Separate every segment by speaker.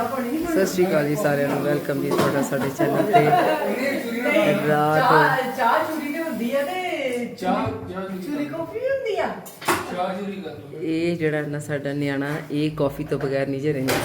Speaker 1: सत श्री अकाल जी सारे वेलकम जी थोड़ा साडे चैनल पे रात
Speaker 2: ਚਾਹ ਚੂਰੀ ਤੇ ਹੁੰਦੀ ਆ ਤੇ ਚੂਰੀ ਕਾਫੀ ਵੀ ਹੁੰਦੀ ਆ
Speaker 1: ਇਹ ਜਿਹੜਾ ਨਾ ਸਾਡਾ ਨਿਆਣਾ ਇਹ ਕਾਫੀ ਤੋਂ ਬਗੈਰ ਨਹੀਂ ਜੇ ਰਹਿੰਦਾ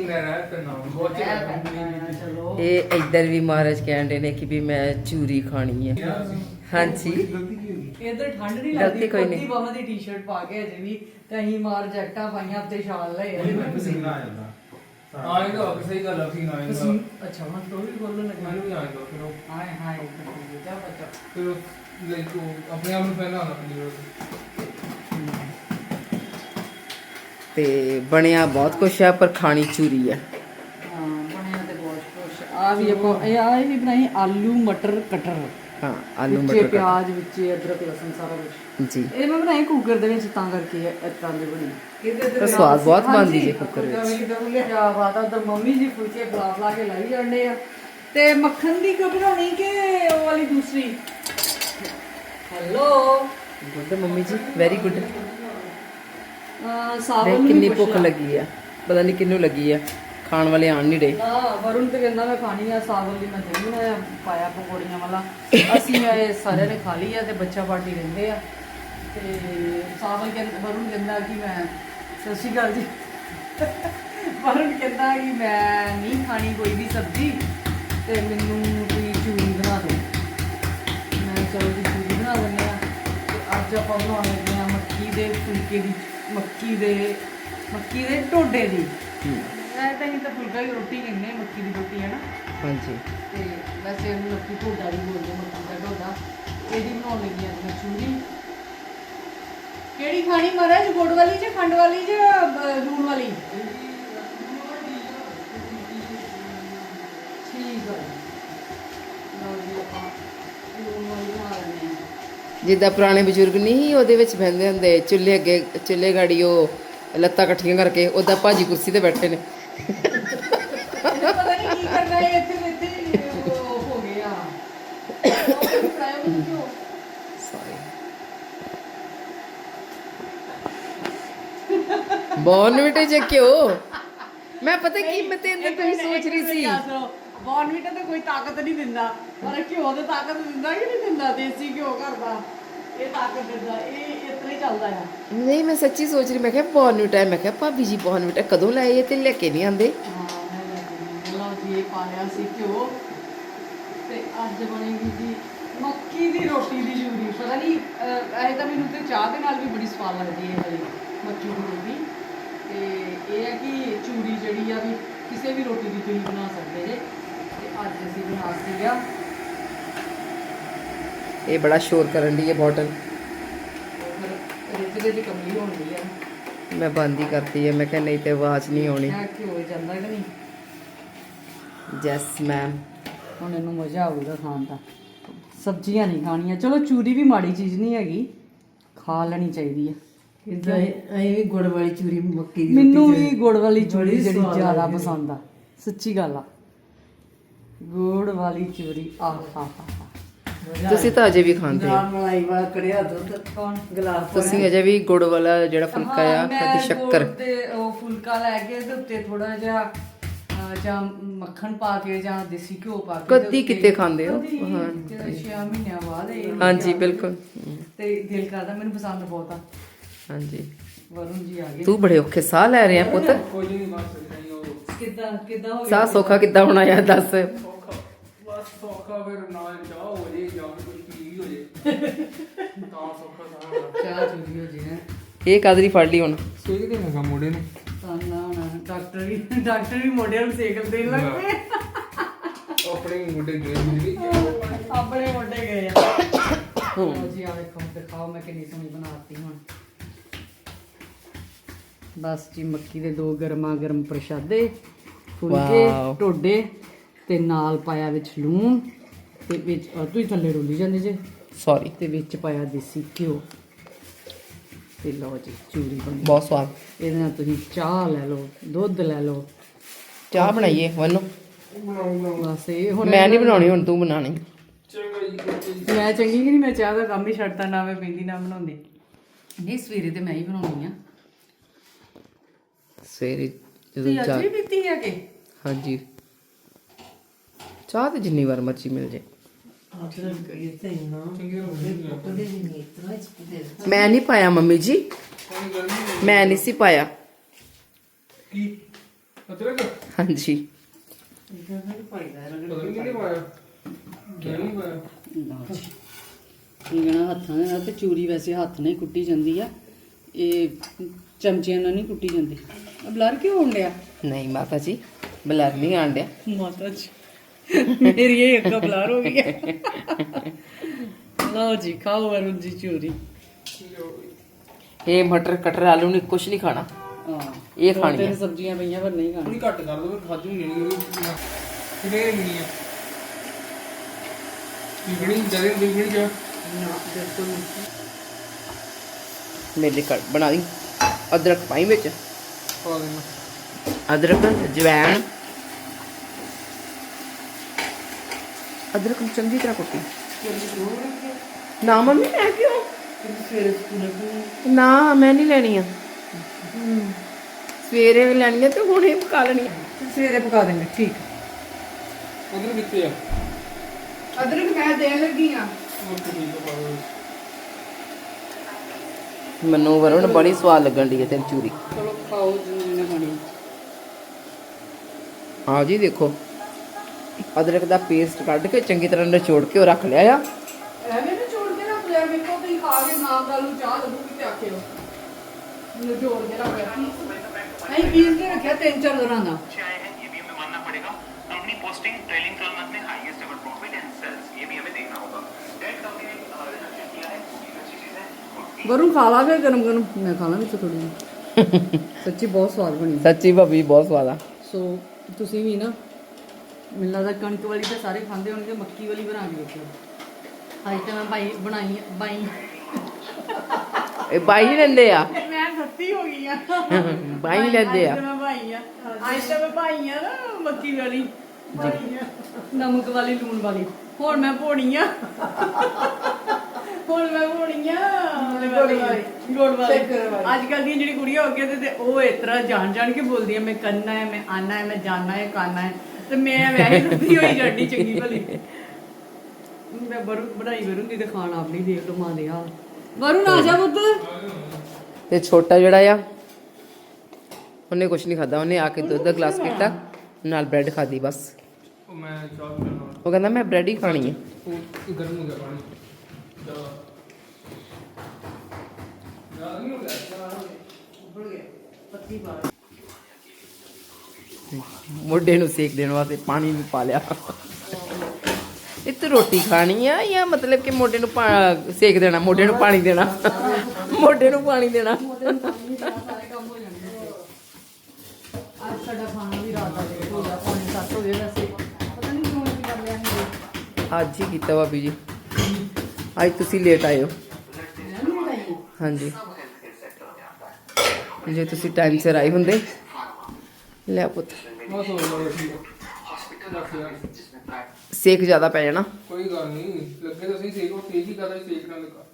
Speaker 1: ਇਹ ਇੱਧਰ ਵੀ ਮਹਾਰਾਜ ਕਹਿੰਦੇ ਨੇ ਕਿ ਵੀ ਮੈਂ ਚੂਰੀ ਖਾਣੀ ਹੈ ਹਾਂਜੀ
Speaker 2: ਇਧਰ ਠੰਡ ਨਹੀਂ
Speaker 1: ਗਲਤੀ
Speaker 2: ਲੱਗਦੀ
Speaker 1: ਕੋਈ ਨਹੀਂ।
Speaker 2: ਕੋਟੀ ਬਾਹਾਂ ਦੀ ਟੀ-ਸ਼ਰਟ ਪਾ ਕੇ ਅਜੇ ਵੀ ਤੇ ਅਸੀਂ ਮਾਰ ਜੈਕਟਾਂ ਪਾਈਆਂ ਤੇ ਸ਼ਾਲ ਲਏ
Speaker 3: ਪਸੀਨਾ ਆ ਜਾਂਦਾ ਆਏਗਾ ਸਹੀ ਗੱਲ ਆ ਪਸੀਨਾ ਆਏਗਾ
Speaker 2: ਅੱਛਾ ਮੈਂ ਸਟੋਰੀ ਬੋਲਣ ਲੱਗਾ
Speaker 3: ਮੈਨੂੰ ਵੀ ਆਏਗਾ ਫਿਰ ਉਹ
Speaker 2: ਹਾਏ ਹਾਏ ਜਾ ਬੱਚਾ
Speaker 3: ਫਿਰ ਲਾਈਕ ਉਹ ਆਪਣੇ ਆਪ ਨੂੰ ਪਹਿਲਾਂ ਆਉਣਾ ਪੈਂਦੀ
Speaker 1: ਤੇ ਬਣਿਆ ਬਹੁਤ ਕੁਛ ਹੈ ਪਰ ਖਾਣੀ ਚੂਰੀ ਹੈ
Speaker 2: ਹਾਂ ਬਣਿਆ ਤੇ ਬਹੁਤ ਕੁਛ ਆ ਵੀ ਆਪਾਂ ਇਹ ਵੀ ਬਣਾਈ ਆਲੂ ਮਟਰ ਕਟਰ
Speaker 1: ਹਾਂ ਆਲੂ
Speaker 2: ਵਿੱਚ
Speaker 1: ਮਟਰ
Speaker 2: ਪਿਆਜ਼ ਵਿੱਚ ਅਦਰਕ ਲਸਣ ਸਾਰਾ ਕੁਝ
Speaker 1: ਜੀ
Speaker 2: ਇਹ ਮੈਂ ਬਣਾਈ ਕੁੱਕਰ ਦੇ ਵਿੱਚ ਤਾਂ ਕਰਕੇ ਇਸ ਤਰ੍ਹਾਂ ਦੀ ਬਣੀ
Speaker 1: ਪਰ ਸਵਾਦ ਬਹੁਤ ਬਣਦੀ ਜੇ ਕੁੱਕਰ ਵਿੱਚ
Speaker 2: ਕਿਆ ਬਾਤ ਆ ਉਧਰ ਮੰਮੀ ਜੀ ਫੁਲਕੇ ਲਾ ਕੇ ਲਾਈ ਜਾਂਦੇ ਆ ਤੇ ਮੱਖਣ ਦੀ ਕਿਉਂ ਬਣਾਉਣੀ ਕਿ ਉਹ ਵਾਲੀ ਦੂਸਰੀ ਹੈਲੋ
Speaker 1: ਗੁੱਡ ਮੰਮੀ ਜੀ ਵੈਰੀ ਗੁੱਡ
Speaker 2: ਸਾਵਲ
Speaker 1: ਦੇਖ
Speaker 2: ਨੂੰ
Speaker 1: ਕਿੰਨੀ
Speaker 2: ਵੀ
Speaker 1: ਭੁੱਖ ਲੱਗੀ ਆ ਪਤਾ ਨਹੀਂ ਕਿੰਨੂੰ ਲੱਗੀ ਆ ਖਾਣ ਵਾਲੇ ਆਣ ਨਹੀਂ ਡੇ
Speaker 2: ਵਰੁਣ ਤੇ ਕਹਿੰਦਾ ਮੈਂ ਖਾਣੀ ਆ ਸਾਵਲ ਦੀ ਮੈਂ ਦਹੀਂ ਬਣਾਇਆ ਪਾਇਆ ਪਕੌੜੀਆਂ ਵਾਲਾ ਅਸੀਂ ਇਹ ਸਾਰਿਆਂ ਨੇ ਖਾ ਲਈ ਆ ਤੇ ਬੱਚਾ ਪਾਰਟੀ ਰਹਿੰਦੇ ਆ ਤੇ ਸਾਵਲ ਕਹਿੰਦਾ ਵਰੁਣ ਕਹਿੰਦਾ ਕਿ ਮੈਂ ਸਤਿ ਸ਼੍ਰੀ ਅਕਾਲ ਜੀ ਵਰੁਣ ਕਹਿੰਦਾ ਕਿ ਮੈਂ ਨਹੀਂ ਖਾਣੀ ਕੋਈ ਵੀ ਸਬਜ਼ੀ ਤੇ ਮੈਨੂੰ ਕੋਈ ਚੂਰੀ ਬਣਾ ਦਿਓ ਮੈਂ ਚਲੋ ਜੀ ਚੂਰੀ ਬਣਾ ਦਿੰਦੇ ਆ ਤੇ ਅੱਜ ਆਪਾਂ ਬਣਾਉਣ ਲੱਗੇ ਆ ਮੱਕੀ ਦੇ ਫੁਲਕੇ ਦੀ ਮੱਕੀ ਦੇ ਢੋਡੇ ਦੀ ਮੈਂ ਤਾਂ ਹੀ ਤਾਂ ਫੁਲਕਾ ਹੀ ਰੋਟੀ ਕਹਿੰਦੇ ਆ, ਮੱਕੀ ਦੀ ਰੋਟੀ ਹੈ ਨਾ
Speaker 1: ਹਾਂਜੀ
Speaker 2: ਤੇ ਵੈਸੇ ਉਹਨੂੰ ਮੱਕੀ ਢੋਡਾ ਵੀ ਬੋਲਦੇ ਮੱਕੀ ਦਾ ਢੋਡਾ ਇਹਦੀ ਬਣਾਉਣ ਲੱਗੀ ਅੱਜ ਮੈਂ ਚੂਰੀ ਕਿਹੜੀ ਖਾਣੀ ਮਹਾਰਾਜ ਗੁੜ ਵਾਲੀ ਜਾਂ ਖੰਡ ਵਾਲੀ ਜਾਂ ਲੂਣ ਵਾਲੀ ਠੀਕ ਹੈ ਲਓ ਜੀ ਆਪਾਂ ਲੂਣ ਵਾਲੀ ਬਣਾ ਲੈਂਦੇ ਹਾਂ
Speaker 1: ਜਿੱਦਾਂ ਪੁਰਾਣੇ ਬਜ਼ੁਰਗ ਨਹੀਂ ਉਹਦੇ ਵਿੱਚ ਬਹਿੰਦੇ ਹੁੰਦੇ ਚੁੱਲ੍ਹੇ ਅੱਗੇ ਚੁੱਲ੍ਹੇ ਗਾੜੀ ਉਹ ਲੱਤਾਂ ਇਕੱਠੀਆਂ ਕਰਕੇ ਉਹਦਾ ਭਾਜੀ ਕੁਰਸੀ ਤੇ ਬੈਠੇ ਨੇ
Speaker 2: ਪਤਾ ਨਹੀਂ ਕੀ ਕਰਨਾ ਹੈ ਇੱਥੇ ਉਹ ਹੋ ਗਿਆ
Speaker 1: ਬੋਨਵਿਟੇ ਚ ਕਿਉਂ ਮੈਂ ਪਤਾ ਕੀ ਮੈਂ ਤੇ ਅੰਦਰ ਕੋਈ ਸੋਚ ਰਹੀ ਸੀ
Speaker 2: ਬੋਨਵੀਟਾ ਤਾਂ ਕੋਈ ਤਾਕਤ ਨਹੀਂ ਦਿੰਦਾ ਪਰ ਘਿਓ ਤਾਂ ਤਾਕਤ ਦਿੰਦਾ ਕਿ ਨਹੀਂ ਦਿੰਦਾ ਦੇਸੀ ਘਿਓ ਘਰ ਦਾ ਇਹ ਤਾਕਤ ਦਿੰਦਾ ਇਹ ਇਤਨਾ ਹੀ ਚੱਲਦਾ ਆ
Speaker 1: ਨਹੀਂ ਮੈਂ ਸੱਚੀ ਸੋਚ ਰਹੀ ਮੈਂ ਕਿਹਾ ਬੋਨਵਿਟਾ ਮੈਂ ਕਿਹਾ ਭਾਬੀ ਜੀ ਬੋਨਵਿਟਾ ਕਦੋਂ ਲਾਏ ਇਹ ਤੇ ਲੈ ਕੇ ਨਹੀਂ ਆਂਦੇ
Speaker 2: ਹਾਂ ਮੈਂ ਲਓ ਜੀ ਇਹ ਪਾ ਲਿਆ ਸੀ ਘਿਓ ਤੇ ਅੱਜ ਬਣੇਗੀ ਜੀ ਮੱਕੀ ਦੀ ਰੋਟੀ ਦੀ ਚੂਰੀ ਪਤਾ ਨਹੀਂ ਇਹ ਤਾਂ ਮੈਨੂੰ ਤੇ ਚਾਹ ਦੇ ਨਾਲ ਵੀ ਬੜੀ ਸਵਾਦ ਲੱਗਦੀ ਹੈ ਹਲੀ ਮੱਕੀ ਦੀ ਰੋਟੀ ਤੇ ਇਹ ਹੈ ਕਿ ਚੂਰੀ ਜਿਹੜੀ ਆ ਵੀ ਕਿਸੇ ਵੀ ਰੋਟੀ ਦੀ ਤੁਸੀਂ ਬਣਾ ਸਕਦੇ ਜੇ ਤੇ ਅੱਜ ਅਸੀਂ ਬਣਾਤੀ ਆ
Speaker 1: ਇਹ ਬੜਾ ਸ਼ੋਰ ਕਰਨ ਦੀ ਹੈ ਬੋਟਲ
Speaker 2: ਰਿੱਝ ਦੇ ਕਮਲੀ ਹੋਣੀ ਆ
Speaker 1: ਮੈਂ ਬੰਦ ਹੀ ਕਰਤੀ ਹੈ ਮੈਂ ਕਿਹਾ ਨਹੀਂ ਤੇ ਆਵਾਜ਼ ਨਹੀਂ ਆਉਣੀ
Speaker 2: ਇਹ ਘਿਓ ਜਾਂਦਾ ਕਿ ਨਹੀਂ
Speaker 1: ਯੈਸ ਮੈਮ
Speaker 2: ਹੁਣ ਇਹਨੂੰ ਮਜ਼ਾ ਆਊਗਾ ਖਾਣ ਦਾ ਸਬਜ਼ੀਆਂ ਨਹੀਂ ਖਾਣੀਆਂ ਚਲੋ ਚੂਰੀ ਵੀ ਮਾੜੀ ਚੀਜ਼ ਨਹੀਂ ਹੈਗੀ ਖਾ ਲੈਣੀ ਚਾਹੀਦੀ ਹੈ
Speaker 4: ਇਦਾਂ ਐਂ ਵੀ ਗੁੜ ਵਾਲੀ ਚੂਰੀ ਮੱਕੀ ਦੀ
Speaker 2: ਮੈਨੂੰ ਵੀ ਗੁੜ ਵਾਲੀ ਚੂਰੀ ਜਿਹੜੀ ਜ਼ਿਆਦਾ ਪਸੰਦ ਆ ਸੱਚੀ ਗੱਲ ਆ ਗੁੜ ਵਾਲੀ ਚੂਰੀ ਆਹ ਹਾ ਹਾ
Speaker 1: ਤੁਸੀਂ ਤਾਂ ਅਜੇ ਵੀ ਖਾਂਦੇ ਹੋ
Speaker 4: ਨਾਲ ਮਲਾਈ ਵਾਲਾ ਕੜਿਆ ਦੁੱਧ
Speaker 2: ਕੌਣ
Speaker 4: ਗਲਾਸ
Speaker 1: ਤੁਸੀਂ ਅਜੇ ਵੀ ਗੁੜ ਵਾਲਾ ਜਿਹੜਾ ਫੁਲਕਾ ਆ
Speaker 2: ਮੈਂ
Speaker 1: ਤੇ ਸ਼ੱਕਰ
Speaker 2: ਗੁੜ ਤੇ ਉਹ ਫੁਲਕਾ ਲੈ ਕੇ ਤੇ ਉੱਤੇ ਥੋੜਾ ਜਿਹਾ ਜਾਂ ਮੱਖਣ ਪਾ ਕੇ ਜਾਂ ਦੇਸੀ ਘਿਓ ਪਾ ਕੇ
Speaker 1: ਕਦੀ ਕਿਤੇ ਖਾਂਦੇ ਹੋ?
Speaker 2: ਹਾਂ 6 ਮਹੀਨਿਆਂ ਬਾਅਦ ਇਹ
Speaker 1: ਹਾਂਜੀ ਬਿਲਕੁਲ
Speaker 2: ਤੇ ਦਿਲ ਕਰਦਾ ਮੈਨੂੰ ਪਸੰਦ ਬਹੁਤ ਆ
Speaker 1: ਹਾਂਜੀ
Speaker 2: ਵਰੁਣ ਜੀ ਆ ਗਏ
Speaker 1: ਤੂੰ ਬੜੇ ਔਖੇ ਸਾਹ ਲੈ ਰਿਹਾ ਪੁੱਤ
Speaker 3: ਕੋਈ ਨਹੀਂ ਬਸ ਨਹੀਂ ਉਹ
Speaker 2: ਕਿੱਦਾਂ ਹੋ
Speaker 1: ਸਾਹ ਸੌਖਾ ਕਿੱਦਾਂ ਹੋਣਾ ਯਾਰ ਦੱਸ
Speaker 3: ਸੌਖਾ ਬਸ ਸੌਖਾ ਫਿਰ ਨਾਲ ਚਾਹ ਹੋ ਜੇ ਜਾਂ ਫਿਰ ਕੁਝ ਪੀ ਵੀ ਹੋ ਜੇ ਤਾਂ ਸੌਖਾ ਸਾਰਾ
Speaker 2: ਚਾਹ ਚੂਰੀ ਹੋ ਜੀ ਹੈ
Speaker 1: ਇਹ ਕਾਦਰੀ ਫੜ ਲਈ ਹੁਣ
Speaker 3: ਸੇਕ ਦੇ ਨਾ ਮੋੜੇ ਨੂੰ
Speaker 2: ਤਾਂ ਨਾ ਹੁਣ ਡਾਕਟਰ ਵੀ ਮੋਢਿਆਂ ਨੂੰ ਸੇਕ ਦੇਣ ਲੱਗ ਪਏ
Speaker 3: ਆਪਣੇ ਮੁੰਡੇ ਗਏ ਮਿਲ
Speaker 2: ਆਪਣੇ ਮੋਢੇ ਗਏ ਆ ਲਓ ਜੀ ਆ ਵੇਖੋ ਦਿਖਾਓ ਮੈਂ ਕਿੰਨੀ ਸੋਹਣੀ ਬਣਾਤੀ ਹੁਣ ਬਸ ਜੀ ਮੱਕੀ ਦੇ ਦੋ ਗਰਮਾ ਗਰਮ ਪ੍ਰਸ਼ਾਦੇ ਫੁਲਕੇ
Speaker 1: ਵਾਓ।
Speaker 2: ਢੋਡੇ ਤੇ ਨਾਲ ਪਾਇਆ ਵਿੱਚ ਲੂਣ ਤੇ ਵਿੱਚ ਤੁਸੀਂ ਥੱਲੇ ਡੋਲੀ ਜਾਂਦੇ ਜੇ
Speaker 1: ਸੌਰੀ
Speaker 2: ਤੇ ਵਿੱਚ ਪਾਇਆ ਦੇਸੀ ਘਿਓ ਤੇ ਲਓ ਜੀ ਚੂਰੀ ਬਣੀ
Speaker 1: ਬਹੁਤ ਸਵਾਦ
Speaker 2: ਇਹਦੇ ਨਾਲ ਤੁਸੀਂ ਚਾਹ ਲੈ ਲਓ ਦੁੱਧ ਲੈ ਲਓ
Speaker 1: ਚਾਹ ਬਣਾਈਏ ਵੰਨੋ
Speaker 2: ਬਸ ਇਹ ਹੁਣ
Speaker 1: ਮੈਂ ਨਹੀਂ ਬਣਾਉਣੀ ਹੁਣ ਤੂੰ ਬਣਾਣੀ
Speaker 2: ਮੈਂ ਚੰਗੀ ਕਿ ਨਹੀਂ ਮੈਂ ਚਾਹ ਦਾ ਕੰਮ ਹੀ ਛੱਡਤਾ ਨਾ ਮੈਂ ਪੀਂਦੀ ਨਾ ਬਣਾਉਂਦੀ ਨਹੀਂ ਸਵੇਰੇ ਤੇ ਮੈਂ ਹੀ ਬਣਾਉਣੀ ਆ
Speaker 1: ਸਵੇਰੇ ਜਦੋਂ
Speaker 2: ਤੁਸੀਂ ਅੱਜ ਵੀ ਪੀਤੀ ਹੈ ਕਿ
Speaker 1: ਹਾਂਜੀ ਚਾਹ ਤੇ ਜਿੰਨੀ ਵਾਰ ਮਰਜ਼ੀ ਮਿਲ ਜੇ
Speaker 4: ਅਦਰਕ ਇੱਥੇ ਨਾ ਉਹਦੇ ਵੀ ਨਹੀਂ ਇਤਨਾ ਇਸ ਦੇ
Speaker 1: ਮੈਂ ਨਹੀਂ ਪਾਇਆ ਮੰਮੀ ਜੀ
Speaker 3: ਪਾਣੀ ਗਰਮੀ
Speaker 1: ਮੈਂ ਨਹੀਂ ਸੀ ਪਾਇਆ
Speaker 3: ਕੀ ਅਦਰਕ
Speaker 1: ਹਾਂਜੀ
Speaker 4: ਇਹਦਾ ਨਹੀਂ ਪਾਈਦਾ
Speaker 3: ਪਤਾ ਨਹੀਂ ਪਾਇਆ ਨਹੀਂ ਪਾਇਆ
Speaker 2: ਇਹ ਗਣਾ ਹੱਥਾਂ ਦੇ ਨਾਲ ਤੇ ਚੂਰੀ ਵੈਸੇ ਹੱਥ ਨਾਲ ਹੀ ਕੁੱਟੀ ਜਾਂਦੀ ਆ ਇਹ ਚਮਚਿਆਂ ਨਾਲ ਨਹੀਂ ਕੁੱਟੀ ਜਾਂਦੀ ਬਲਰ ਕਿਉਂ ਹੋਣ ਡਿਆ
Speaker 1: ਨਹੀਂ ਮਾਤਾ ਜੀ ਬਲਰ ਨਹੀਂ ਆਣ ਡਿਆ
Speaker 2: ਮਾਤਾ ਜੀ ਮੇਰੀ ਇਹ ਇੱਕ ਬਲਰ ਹੋ ਗਈ ਲਓ ਜੀ ਖਾਓ ਵਰੁਣ ਜੀ ਚੂਰੀ
Speaker 1: ਇਹ ਮਟਰ ਕਟਰ ਆਲੂ ਨਹੀਂ ਕੁਛ ਨਹੀਂ ਖਾਣਾ
Speaker 2: ਹਾਂ
Speaker 1: ਇਹ ਖਾਣੀ
Speaker 2: ਤਿੰਨ
Speaker 1: ਹੈ
Speaker 2: ਸਬਜ਼ੀਆਂ ਪਈਆਂ ਪਰ ਨਹੀਂ ਖਾਣੀ
Speaker 3: ਥੋੜੀ ਘੱਟ ਕਰ ਦੋ ਫਿਰ ਖਾਜੂ ਨਹੀਂ ਨਹੀਂ ਕਿਹੜੇ ਨਹੀਂ ਹੈ ਬਿਗੜੀ ਜਰੇ ਬਿਗੜੀ ਜਾ
Speaker 1: ਮੇਰੇ ਲਈ ਬਣਾ ਦੀ ਅਦਰਕ ਪਾਈ ਵਿੱਚ
Speaker 3: ਪਾ ਦੇਣਾ
Speaker 1: ਅਦਰਕ ਜਵੈਣ ਅਦਰਕ ਨੂੰ ਚੰਗੀ ਤਰ੍ਹਾਂ ਕੁੱਟੀ ਨਾ ਮੰਮੀ ਮੈਂ ਕਿਉਂ
Speaker 4: ਸਵੇਰੇ ਸਕੂਲ
Speaker 1: ਨਾ ਮੈਂ ਨਹੀਂ ਲੈਣੀ ਆ ਸਵੇਰੇ ਲੈਣੀ ਆ ਤੇ ਹੁਣੇ ਪਕਾ ਲੈਣੀ ਆ
Speaker 4: ਸਵੇਰੇ ਪਕਾ ਦੇਂਗੇ ਠੀਕ
Speaker 3: ਉਧਰ ਕਿੱਥੇ ਆ
Speaker 1: ਅਦਰਕ ਮੈਂ ਦੇਣ ਲੱਗੀ ਆ
Speaker 3: ਉਹ ਠੀਕ ਹੈ ਪਾ ਦੋ
Speaker 1: ਮੈਨੂੰ ਵਰੁਣ ਬੜੀ ਸਵਾਦ ਲੱਗਣ ਦੀ ਹੈ ਤੇਰੀ ਚੂਰੀ
Speaker 2: ਚਲੋ ਖਾਓ ਜਿੰਨੇ ਖਾਣੀ
Speaker 1: ਹਾਂ ਜੀ ਦੇਖੋ ਅਦਰਕ ਦਾ ਪੇਸਟ ਕੱਢ ਕੇ ਚੰਗੀ ਤਰ੍ਹਾਂ ਨਿਚੋੜ ਕੇ ਉਹ ਰੱਖ ਲਿਆ ਆ
Speaker 2: ਐਵੇਂ ਨਾ ਛੋੜ ਕੇ ਰੱਖ ਲਿਆ ਵੇਖੋ ਤੁਸੀਂ ਖਾ ਕੇ ਨਾ ਗੱਲ ਨੂੰ ਚਾਹ ਲੱਗੂਗੀ ਤੇ ਆਖਿਓ ਮੈਨੂੰ ਜੋੜ ਕੇ ਰੱਖ ਲਿਆ ਨਹੀਂ ਪੀਸ ਕੇ ਰੱਖਿਆ 3-4 ਦਿਨਾਂ ਦਾ
Speaker 5: आए हैं ये भी हमें मानना पड़ेगा कंपनी पोस्टिंग ट्रेलिंग 12 मंथ में highest ever profit and sales ये भी हमें देखना होगा डेट कंपनी ने रिडक्शन किया है ये अच्छी चीज है
Speaker 2: ਵਰੁਣ ਖਾ ਲਾ ਫਿਰ ਗਰਮ ਗਰਮ ਮੈਂ ਖਾ ਲਾਂ ਵਿੱਚ ਥੋੜੀ ਜਿਹੀ ਸੱਚੀ ਬਹੁਤ ਸਵਾਦ ਬਣੀ
Speaker 1: ਸੱਚੀ ਭਾਬੀ ਬਹੁਤ ਸਵਾਦ ਆ
Speaker 2: ਸੋ ਤੁਸੀਂ ਵੀ ਨਾ ਮੈਨੂੰ ਲੱਗਦਾ ਕਣਕ ਵਾਲੀ ਤਾਂ ਸਾਰੇ ਖਾਂਦੇ ਹੋਣਗੇ ਮੱਕੀ ਵਾਲੀ ਬਣਾ ਕੇ ਦੇਖਿਓ ਅੱਜ ਤਾਂ ਮੈਂ ਬਾਈ ਬਣਾਈ ਬਾਈ
Speaker 1: ਇਹ ਬਾਈ ਹੀ ਲੈਂਦੇ ਆ
Speaker 2: ਮੈਂ ਸੱਤੀ ਹੋ ਗਈ ਆ
Speaker 1: ਬਾਈ ਲੈਂਦੇ ਆ
Speaker 2: ਅੱਜ ਤਾਂ ਮੈਂ ਭਾਈ ਆ ਅੱਜ ਤਾਂ ਮੈਂ ਭਾਈ ਆ ਨਾ ਮੱਕੀ ਵਾਲੀ ਭਾਈ ਆ ਨਮਕ ਵਾਲੀ ਲੂਣ ਵਾਲੀ ਹੁਣ ਮੈਂ ਭੋਣੀ ਆ ਹੁਣ ਮੈਂ ਭੋਣੀ ਆ ਗੁੜ ਵਾਲੀ ਅੱਜ ਕੱਲ ਦੀਆਂ ਜਿਹੜੀ ਕੁੜੀਆਂ ਹੋ ਗਈਆਂ ਤੇ ਉਹ ਇਸ ਤਰ੍ਹਾਂ ਜਾਣ ਕੇ ਬੋਲਦੀਆਂ ਮੈਂ ਕਰਨਾ ਹੈ ਮੈਂ ਆਣਾ ਹੈ ਮੈਂ ਜਾਣਾ ਹੈ ਖਾਣਾ ਹੈ ਤੇ ਮੈਂ ਵੈਸੇ ਸੱਤੀ ਹੋਈ ਜਾਂਦੀ ਚੰਗੀ ਭਲੀ ਮੈਂ ਬਣਾਈ ਵਰੁਣ ਤੇ ਖਾਣ ਆਪਣੀ ਦੇਖ ਲਓ ਮਾਂ ਦੇ ਹਾਲ ਵਰੁਣ ਆ ਜਾ ਪੁੱਤ
Speaker 1: ਤੇ ਛੋਟਾ ਜਿਹੜਾ ਆ ਉਹਨੇ ਕੁਝ ਨਹੀਂ ਖਾਦਾ ਉਹਨੇ ਆ ਕੇ ਦੁੱਧ ਦਾ ਗਲਾਸ ਪੀਤਾ ਨਾਲ ਬ੍ਰੈਡ ਖਾਦੀ ਬਸ
Speaker 3: ਉਹ ਮੈਂ ਚਾਹ ਪੀਣਾ
Speaker 1: ਉਹ ਕਹਿੰਦਾ ਮੈਂ ਬ੍ਰੈਡ ਹੀ ਖਾਣੀ ਹੈ
Speaker 3: ਉਹ ਗਰਮ ਹੋ ਗਿਆ ਪਾਣੀ ਚਾਹ ਯਾਰ ਨਹੀਂ ਹੋ ਗਿਆ
Speaker 1: ਮੋਢੇ ਨੂੰ ਸੇਕ ਦੇਣ ਵਾਸਤੇ ਪਾਣੀ ਵੀ ਪਾ ਲਿਆ ਇਹ ਤੇ ਰੋਟੀ ਖਾਣੀ ਆ ਜਾਂ ਮਤਲਬ ਕਿ ਮੋਢੇ ਨੂੰ ਸੇਕ ਦੇਣਾ ਮੋਢੇ ਨੂੰ ਪਾਣੀ ਦੇਣਾ ਮੋਢੇ ਨੂੰ ਪਾਣੀ ਦੇਣਾ
Speaker 2: ਸਾਰੇ ਕੰਮ ਹੋ ਜਾਣਗੇ ਅੱਜ ਸਾਡਾ ਖਾਣਾ ਵੀ ਰਾਤ ਦਾ ਲੇਟ ਹੋ ਗਿਆ 5:30 ਹੋ ਗਏ ਵੈਸੇ ਪਤਾ ਨਹੀਂ ਕਿਉਂ ਅਸੀਂ ਕਰ ਲਿਆ ਸੀ
Speaker 1: ਅੱਜ ਹੀ ਕੀਤਾ ਭਾਬੀ ਜੀ ਅੱਜ ਤੁਸੀਂ ਲੇਟ ਆਏ ਹੋ ਹਾਂਜੀ ਜੇ ਤੁਸੀਂ ਟਾਈਮ ਸਿਰ ਆਏ ਹੁੰਦੇ ਲੈ ਪੁੱਤ
Speaker 3: ਬਸ ਹੋ ਗਿਆ ਠੀਕ ਹੈ
Speaker 1: ਸੇਕ ਜ਼ਿਆਦਾ ਪੈ ਜਾਣਾ
Speaker 3: ਕੋਈ ਗੱਲ ਨਹੀਂ ਲੱਗੇ ਤਾਂ ਸਹੀ ਸੇਕ ਉਹ ਤੇਜ਼ ਹੀ ਕਰਦਾ ਸੇਕ ਨਾਲ ਲੱਗਾ